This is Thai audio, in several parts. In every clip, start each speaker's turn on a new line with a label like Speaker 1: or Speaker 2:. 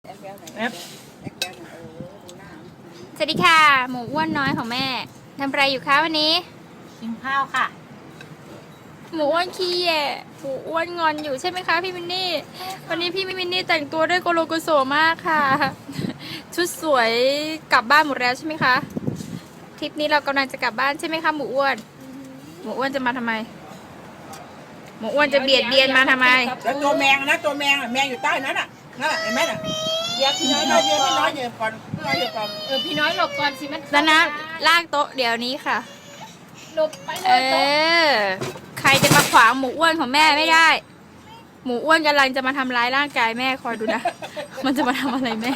Speaker 1: สวัสดีค่ะหมูอ้วนน้อยของแม่ทำอะไรอยู่คะวันนี้
Speaker 2: กินข้าวค่ะ
Speaker 1: หมูอ้วนขี้แย่หมูอ้วนงอนอยู่ใช่ไหมคะพี่มินนี่วันนี้พี่มินนี่แต่งตัวด้วยโกโลโกโซมากค่ะชุดสวยกลับบ้านหมดแล้วใช่ไหมคะทริปนี้เรากำลังจะกลับบ้านใช่ไหมคะหมูอ้วนหมูอ้วนจะมาทำไมหมูอ้วนจะเบียดเบียนมาทำไม
Speaker 3: แล้วตัวแมงนะตัวแมงแมงอยู่ใต้นั้นน่ะนั่นแหละเห็นไหมน่ะเดี๋ยวพี่น้อยเดี๋ยวพี่น้อยเดี๋ยวก่อนพี่น้อยเดี๋ยวก่อน
Speaker 2: พี่น้อยหลบก่อนสิมัน
Speaker 1: แล้วนะลากโต๊ะเดี๋ยวนี้ค่ะ
Speaker 2: หลบไปเลย
Speaker 1: ใครจะมาขวางหมูอ้วนของแม่ไม่ได้หมูอ้วนกำลังจะมาทำร้ายร่างกายแม่คอยดูนะมันจะมาทำอะไรแม่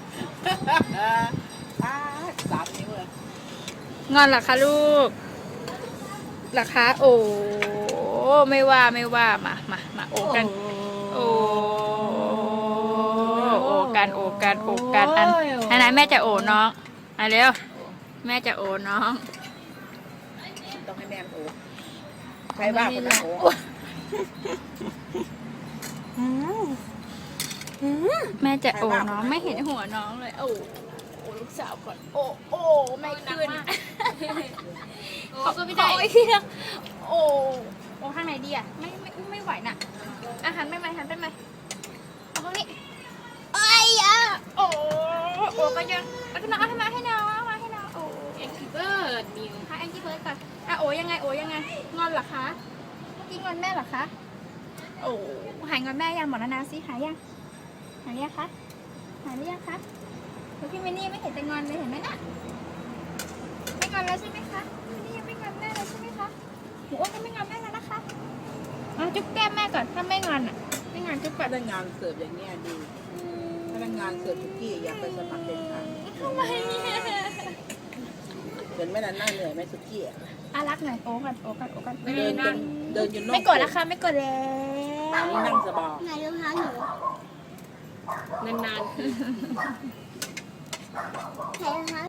Speaker 3: 3 นิ้วเลย
Speaker 1: งอนเหรอคะลูกเหรอคะโอ้ไม่ว่ามาโอกันโอกันอันไหนแม่จะโอน้องมาเร็วแม่จะโอน้อง
Speaker 3: ต้องให้แม่โอ้ใครบ้าคนนั้นโอ้
Speaker 1: แม่จะโอน้องไม่เห็นหัวน้องเลยโอ้ลูกสาวก่อนโอ้ไม่ขึ้นเขาก็ไม่ได้โอ้ข้างไหนดีอ่ะไม่ไหวน่ะอาหารไม่หันไปไหมเอาตรงนี้เอ้ยอ่ะโอ้ก็ยังเอามาให้น้องโอ้
Speaker 2: แองกี้เบิร์ดนิว
Speaker 1: ค่ะแองกี้เบิร์ดก่อนอ่ะโอ้ยังไงงอนเหรอคะกินงอนแม่เหรอคะโอ้หายงอนแม่ยังหมดแล้วนะสิหายยังคะหายหรือยังคะพี่มินนี่ไม่เห็นจะงอนเลยเห็นไหมน่ะไม่งอนแล้วใช่ไหมคะมินนี่ยังไม่งอนแม่เลยใช่ไหมคะหมูอ้วนยังไม่งอนแม่แล้วนะคะจุ๊บแก้มแม่ก่อนถ้าไม่งอนอ่ะไม่งอนจุ๊บก่อน
Speaker 3: พนักงานเสิร์ฟอย่างเงี้ยดีพนักงานเสิร์ฟทุกที่อยากไปสมัครเป็นค่ะ
Speaker 1: ทำไม
Speaker 3: เห็นไหมน่ะหน้าเหนื่อยไหมสุกี้
Speaker 1: รักหน่อยโอ้กัน
Speaker 3: เดินจน
Speaker 1: ไม่กดแล้วค่ะไม่กดแล้ว
Speaker 3: นั่งสบาย
Speaker 1: ไหนรองเท้าหนู
Speaker 2: นานๆ